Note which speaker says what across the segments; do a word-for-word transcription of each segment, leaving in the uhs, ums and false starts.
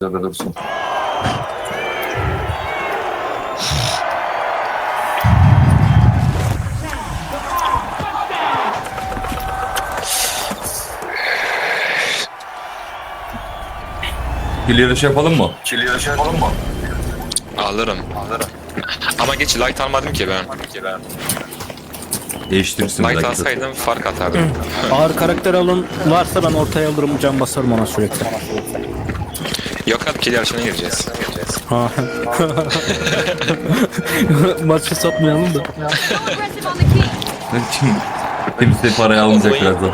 Speaker 1: Burada dursun. Bir yarış yapalım mı?
Speaker 2: Çili yarışı yapalım mı?
Speaker 3: Alırım.
Speaker 2: Alırım.
Speaker 3: Ama geç light almadım ki ben.
Speaker 1: Değiştirsin.
Speaker 3: Light
Speaker 1: belki de.
Speaker 3: alsaydım fark atardım.
Speaker 4: Ağır karakter alın varsa ben ortaya alırım, can basarım ona sürekli.
Speaker 3: Yok abi kill yarışına gireceğiz.
Speaker 4: Ha. Maçı satmayalım da.
Speaker 5: Aggressive on the key.
Speaker 1: Kimse parayı almayacak birazdan.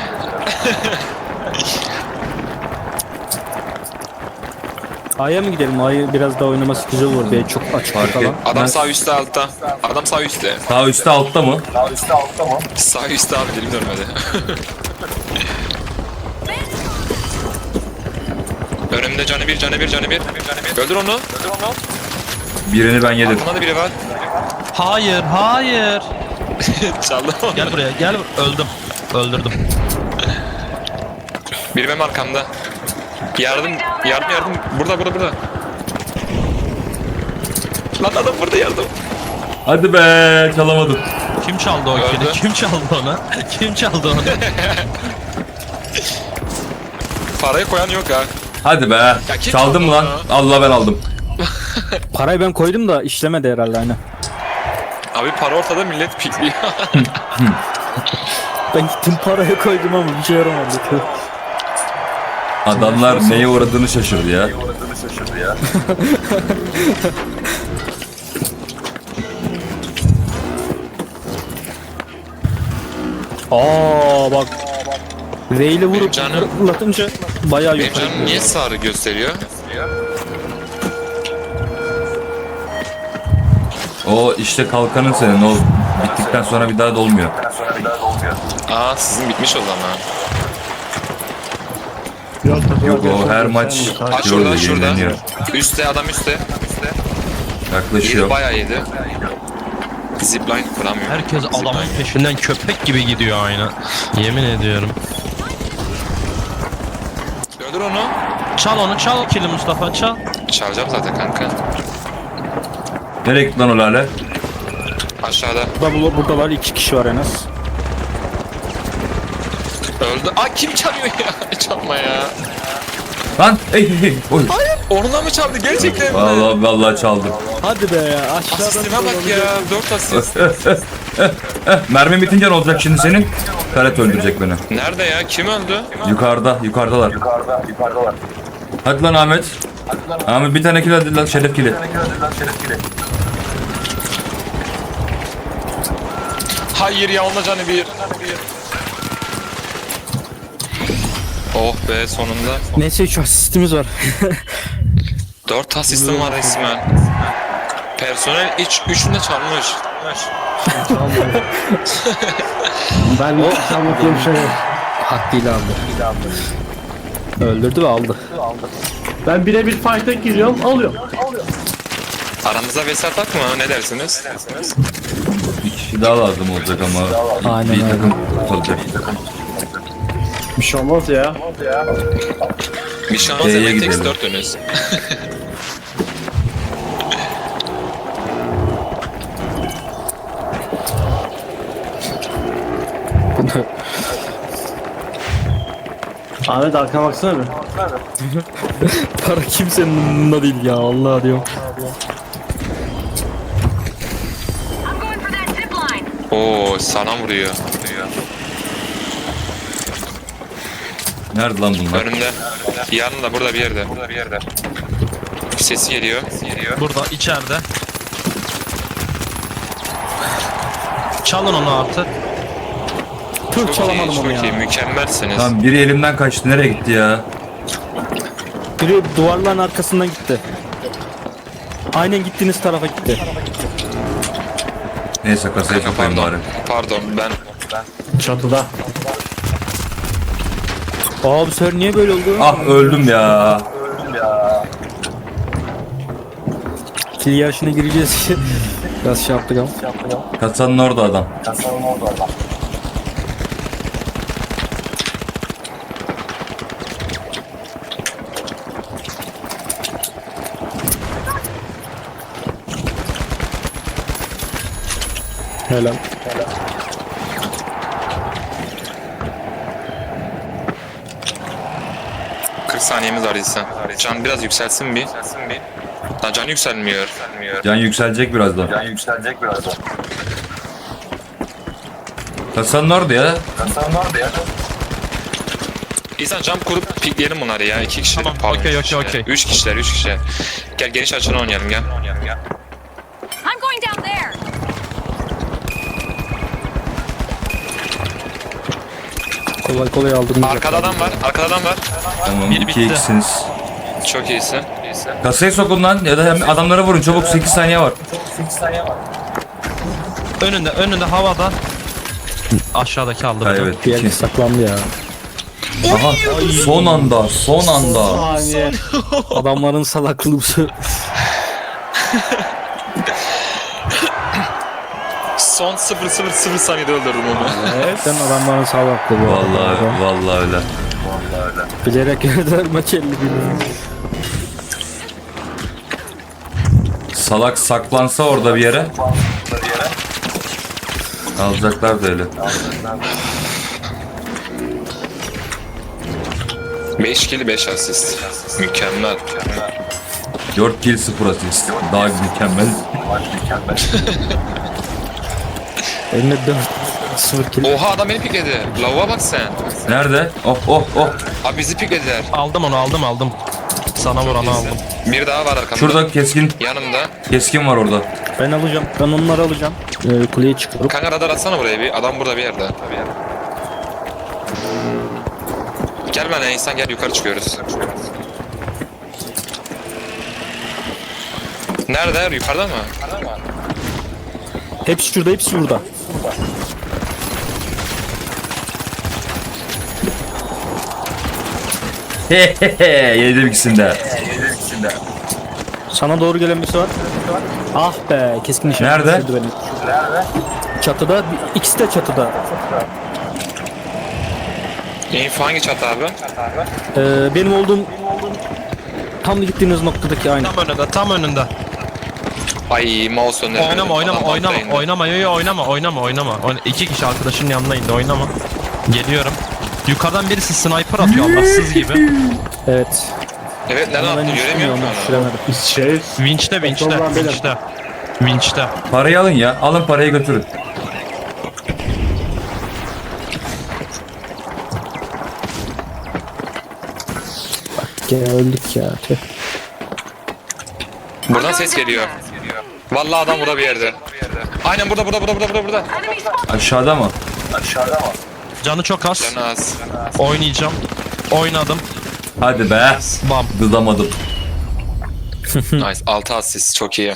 Speaker 4: A'ya mı gidelim? A'yı biraz daha oynaması güzel olur. B çok açık
Speaker 1: Fark
Speaker 4: falan.
Speaker 1: et.
Speaker 3: Adam
Speaker 1: Ben-
Speaker 3: sağ üstte altta. Adam sağ üstte.
Speaker 1: Sağ üstte altta mı?
Speaker 2: Daha üstte altta mı?
Speaker 3: Sağ üstte abi dilim dönmedi. Önümde canı bir, canı bir, canı bir. Öldür onu. Öldür onu.
Speaker 1: Birini ben yedim.
Speaker 3: Aklında da biri var.
Speaker 6: Hayır, hayır.
Speaker 3: Çaldım onu.
Speaker 6: Gel buraya, gel. Öldüm. Öldürdüm.
Speaker 3: Biri benim arkamda. Yardım, yardım, yardım. Burada, burada, burada. Lan adam burada yardım.
Speaker 1: Hadi be, çalamadım.
Speaker 6: Kim çaldı o
Speaker 3: Öldü.
Speaker 6: kili? Kim çaldı onu? Kim çaldı onu?
Speaker 3: Parayı koyan yok ha.
Speaker 1: Hadi be.
Speaker 3: kim
Speaker 1: Çaldım mı lan?
Speaker 3: çaldı
Speaker 1: Allah ben aldım.
Speaker 4: Parayı ben koydum da işlemedi herhalde hani.
Speaker 3: Abi para ortada millet pikliyor.
Speaker 4: Ben gittim paraya koydum ama bir şey yaramadı.
Speaker 1: Adamlar neye uğradığını şaşırdı ya.
Speaker 2: Uğradığını şaşırdı ya.
Speaker 4: Aa bak. V ile vurup
Speaker 3: canım-
Speaker 4: fırlatınca bayağı
Speaker 3: Benim
Speaker 4: yukarı.
Speaker 3: canım niye sarı gösteriyor?
Speaker 1: O işte kalkanın senin. O bittikten sonra bir daha dolmuyor.
Speaker 2: Sonra bir daha da olmuyor.
Speaker 3: Aa sizin bitmiş o zaman.
Speaker 1: Yok o her maç
Speaker 3: Aa
Speaker 1: yolda
Speaker 3: şurada şurada.
Speaker 1: yenileniyor.
Speaker 3: Üste adam üste. Üste. Yedi
Speaker 1: Yaklaşıyor.
Speaker 3: bayağı yedi. Zipline kuramıyor.
Speaker 6: Herkes adamın
Speaker 3: Zipline.
Speaker 6: peşinden köpek gibi gidiyor aynı. Yemin ediyorum.
Speaker 3: Öldür onu.
Speaker 6: Çal onu, çal kili Mustafa, çal.
Speaker 3: Çalacağım zaten kanka.
Speaker 1: Nereye gitti lan o lale?
Speaker 3: Aşağıda.
Speaker 4: Burada, burada var iki kişi var en az.
Speaker 3: Öldü. Aa kim çalıyor ya? Çalma ya.
Speaker 1: Lan hey hey hey. Oy.
Speaker 3: Onunla mı çaldı gerçekten mi?
Speaker 1: Vallahi vallahi çaldım.
Speaker 4: Hadi be ya aşağıdan.
Speaker 3: Asistime bak ya. Dört asist.
Speaker 1: Mermi bitince ne olacak şimdi senin? Karet öldürecek beni.
Speaker 3: Nerede ya? Kim öldü?
Speaker 1: Yukarıda, yukarıdalar.
Speaker 2: Yukarıda, yukarıdalar.
Speaker 1: Hadi lan Ahmet. Ahmet bir tane kill hadi lan şeref kili.
Speaker 2: Lan şeref gibi.
Speaker 3: Hayır ya onunla canı bir. Oh be sonunda.
Speaker 4: Neyse üç asistimiz var.
Speaker 3: Dört asistim var resmen. Personel iç üçünü de çalmış.
Speaker 7: Ben hiç anlattığım şey yok.
Speaker 4: Hakkıyla aldı. Öldürdü ve aldı.
Speaker 7: Ben birebir fight'a giriyorum, alıyorum.
Speaker 3: Aramıza vesat atma ne dersiniz?
Speaker 1: Bir kişi daha lazım olacak ama.
Speaker 4: Aynen
Speaker 1: bir
Speaker 4: öyle.
Speaker 1: takım olacak.
Speaker 7: Bir şey olmaz ya.
Speaker 3: Bir şans
Speaker 1: B'ye
Speaker 3: hemen tek
Speaker 1: gidelim.
Speaker 3: dört önüz.
Speaker 7: Ahmet arkana baksana bir.
Speaker 4: Para kimsenin umurunda değil ya Allah diyorum.
Speaker 5: I'm going for that zip line.
Speaker 3: Oo sana vuruyor.
Speaker 1: Nerede lan bunlar?
Speaker 3: Önümde. Yanında burada bir yerde. Burada bir yerde. Sesi geliyor. Geliyor.
Speaker 6: Burada, içeride. Çalın onu artık.
Speaker 4: Tüh
Speaker 3: Çok iyi,
Speaker 4: çalamadım
Speaker 3: çok
Speaker 4: onu
Speaker 3: iyi.
Speaker 4: ya.
Speaker 3: Mükemmelsiniz.
Speaker 1: Lan biri elimden kaçtı. Nereye gitti ya?
Speaker 4: Biri duvarların arkasından gitti. Aynen gittiğiniz tarafa gitti.
Speaker 1: Neyse kasayı kapayım
Speaker 3: Pardon.
Speaker 1: bari.
Speaker 3: Pardon ben
Speaker 7: Çatıda.
Speaker 4: Aa bu sefer niye böyle oldu?
Speaker 1: Ah öldüm ya.
Speaker 4: Kill yarışına gireceğiz. Biraz şey yaptık ama.
Speaker 1: Kasanın orada adam.
Speaker 2: Kasanın orada adam.
Speaker 4: Helal.
Speaker 3: kırk saniyemiz var İhsan. Can biraz yükselsin bir. Lan can yükselmiyor.
Speaker 1: Can yükselecek birazdan.
Speaker 2: Can yükselecek birazdan.
Speaker 1: Kasanın orada ya.
Speaker 2: Kasan nerede ya?
Speaker 3: İhsan jump kurup pikleyelim bunları ya. İki kişiler.
Speaker 6: Tamam,
Speaker 3: Pardon,
Speaker 6: okey,
Speaker 3: üç
Speaker 6: okey,
Speaker 3: kişiler.
Speaker 6: okey.
Speaker 3: Üç kişiler, üç kişiler. Gel geniş açını oynayalım gel.
Speaker 5: I'm going down there.
Speaker 4: Kolay kolay aldırmayacak.
Speaker 3: Arkada adam var, arkada adam var.
Speaker 1: Tamam
Speaker 6: Bir
Speaker 1: iki
Speaker 6: bitti.
Speaker 1: ikisiniz.
Speaker 3: Çok iyisin.
Speaker 1: Kasayı sokun lan ya da hem adamlara vurun çabuk sekiz saniye var.
Speaker 2: sekiz saniye var.
Speaker 6: Önünde, önünde havada. Aşağıdaki aldı.
Speaker 1: Ha,
Speaker 6: beni.
Speaker 1: evet.
Speaker 4: Bir yer saklandı ya.
Speaker 1: Aha son anda son anda.
Speaker 7: Saniye.
Speaker 4: Adamların salaklığı.
Speaker 3: Son sıfır sıfır sıfır saniyede öldürdüm onu.
Speaker 4: Sen adamların salaklığı. bu
Speaker 1: Vallahi
Speaker 4: arada.
Speaker 1: vallahi öyle.
Speaker 4: Bilerek yerler maç elli biliyor.
Speaker 1: Salak saklansa orada bir yere. Alacaklar da öyle.
Speaker 3: beş kill beş asist. Mükemmel.
Speaker 1: dört kill sıfır asist. Daha mükemmel.
Speaker 4: Eline dört sıfır kill.
Speaker 3: Oha adam beni pikledi. Lavuğa bak sen.
Speaker 1: Nerede? Oh oh oh.
Speaker 3: Abi bizi piklediler.
Speaker 6: Aldım onu, aldım, aldım. Sana vuranı aldım.
Speaker 3: Bir daha var arkamda.
Speaker 1: Şurada keskin
Speaker 3: Yanımda.
Speaker 1: keskin var orada.
Speaker 4: Ben alacağım. Ben onları alacağım. Ee, kuleye çıkıyorum.
Speaker 3: Kanka radar atsana buraya bir. Adam burada bir yerde. Gel bana insan gel yukarı çıkıyoruz. Nerede? Yukarıda mı?
Speaker 4: Hepsi şurada, hepsi burada.
Speaker 1: Hehehe yedim ikisini de.
Speaker 4: Sana doğru gelen birisi var. Ah be, keskin nişan.
Speaker 1: Nerede?
Speaker 4: Düşürdü beni. Çatıda, bir- ikisi de çatıda.
Speaker 3: Info hangi çatı abi?
Speaker 4: Ee, benim olduğum tam gittiğiniz noktadaki aynı.
Speaker 6: Tam önünde, tam önünde.
Speaker 3: Ay mouse önlerine.
Speaker 6: Oynama, oynama,
Speaker 3: Adam
Speaker 6: oynama,
Speaker 3: altta indi.
Speaker 6: oynama, yo, yo, oynama, oynama, oynama. Oyna- İki kişi arkadaşının yanına indi, oynama. Geliyorum. Yukarıdan birisi sniper atıyor Allahsız gibi.
Speaker 4: Evet.
Speaker 3: Evet nereden
Speaker 4: Ama ben
Speaker 3: attın göremiyorum ki
Speaker 4: onu
Speaker 3: onu.
Speaker 4: düşüremedim.
Speaker 7: Şey,
Speaker 6: Winch'te, winch'te,
Speaker 7: Kontrol beyler.
Speaker 6: winch'te. Winch'te.
Speaker 1: Parayı alın ya. Alın parayı götürün.
Speaker 4: Gene öldük ya. Tüh.
Speaker 3: Buradan ses geliyor. Vallahi adam burada bir yerde. Aynen burada burada burada burada burada.
Speaker 5: Enemy spotted.
Speaker 1: Aşağıda mı?
Speaker 2: Aşağıda mı?
Speaker 6: Canı çok az.
Speaker 3: Canı az.
Speaker 6: Oynayacağım. Oynadım.
Speaker 1: Hadi be.
Speaker 6: Bam.
Speaker 1: Dızamadım.
Speaker 3: Nice. altı asist çok iyi.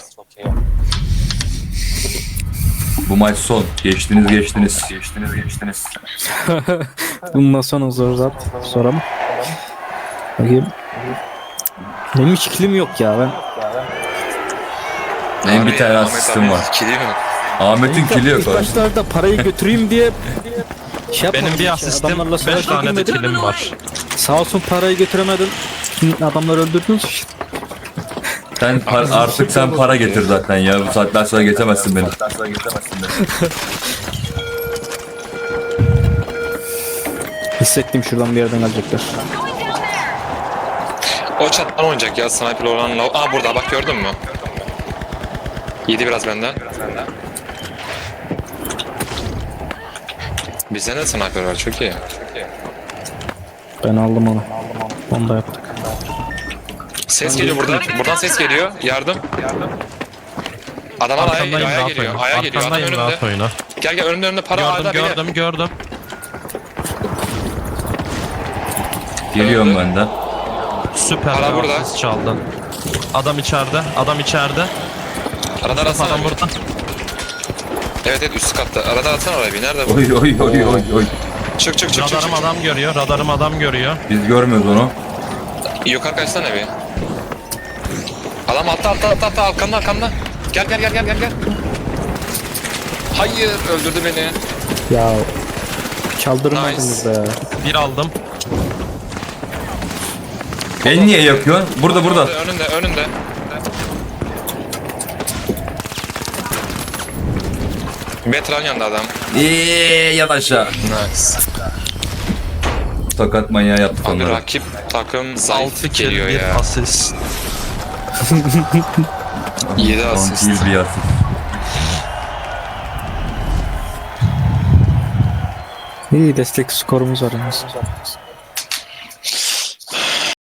Speaker 1: Bu maç son. Geçtiniz geçtiniz.
Speaker 2: Geçtiniz geçtiniz.
Speaker 4: Bundan sonra zor zat. Sonra mı? Bakayım. Benim hiç kilim yok ya ben.
Speaker 1: Benim bir
Speaker 3: Abi,
Speaker 1: tane
Speaker 3: Ahmet
Speaker 1: asistim
Speaker 3: abi,
Speaker 1: var.
Speaker 3: kili mi?
Speaker 1: Ahmet'in kili yok.
Speaker 4: İlk
Speaker 1: abi.
Speaker 4: başlarda parayı götüreyim diye şey yapmadım.
Speaker 6: Benim bir
Speaker 4: hiç.
Speaker 6: asistim,
Speaker 4: Adamlarla
Speaker 6: beş
Speaker 4: savaşa
Speaker 6: tane de
Speaker 4: girmedim.
Speaker 6: kilim var.
Speaker 4: Sağ olsun parayı götüremedim. Şimdi adamları öldürdünüz.
Speaker 1: Sen par- artık sen para getir zaten ya. Bu saatten sonra geçemezsin beni.
Speaker 2: Sen sonra geçemezsin beni.
Speaker 4: Hissettim şuradan bir yerden gelecekler.
Speaker 5: Going down there.
Speaker 3: O çattan oynayacak ya sniper olan lav- Aa burada bak gördün mü? Yedi biraz benden. Bizde de sniper var çok iyi.
Speaker 4: Ben aldım onu. Onu da yaptık.
Speaker 3: Ses geliyor buradan. Buradan ses geliyor. Yardım. Adamlar aya,
Speaker 6: Arkandayım,
Speaker 3: aya
Speaker 6: rahat
Speaker 3: geliyor.
Speaker 6: oyna.
Speaker 3: Aya geliyor. Adam
Speaker 6: Arkandayım, rahat
Speaker 3: önümde.
Speaker 6: oyna.
Speaker 3: Gel gel önümde önümde para
Speaker 6: Gördüm,
Speaker 3: hala bile.
Speaker 6: gördüm, gördüm.
Speaker 1: Geliyorum ben de.
Speaker 6: Süper
Speaker 3: Hala
Speaker 6: bir
Speaker 3: burada.
Speaker 6: asist çaldın. Adam içeride, adam içeride.
Speaker 3: Radar atsana.
Speaker 6: Adam
Speaker 3: bir.
Speaker 6: burada.
Speaker 3: Evet evet üst katta. Radar atsana oraya bir. Nerede bu?
Speaker 1: Oy oy oy oy oy.
Speaker 3: Çık çık çık çık.
Speaker 6: Radarım
Speaker 3: çık.
Speaker 6: adam görüyor, radarım adam görüyor.
Speaker 1: Biz görmüyoruz onu.
Speaker 3: Yukarı kaçsana bir. Adam altta altta altta altta arkanda arkanda. Gel gel gel gel gel gel. Hayır öldürdü beni.
Speaker 4: Ya çaldırmadınız
Speaker 3: Nice.
Speaker 4: be.
Speaker 6: Bir aldım.
Speaker 1: Beni niye yakıyorsun? Burada burada.
Speaker 3: Önünde önünde. Betran yanında adam.
Speaker 1: Eee yat aşağı.
Speaker 3: Nice.
Speaker 1: Tokat manyağı yaptık
Speaker 3: Abi
Speaker 1: onları.
Speaker 3: rakip takım zayıf
Speaker 6: altı kill
Speaker 3: geliyor
Speaker 6: bir
Speaker 3: ya.
Speaker 6: asist.
Speaker 3: yedi
Speaker 1: on
Speaker 3: asist.
Speaker 1: kill bir asist.
Speaker 4: İyi destek skorumuz var yalnız.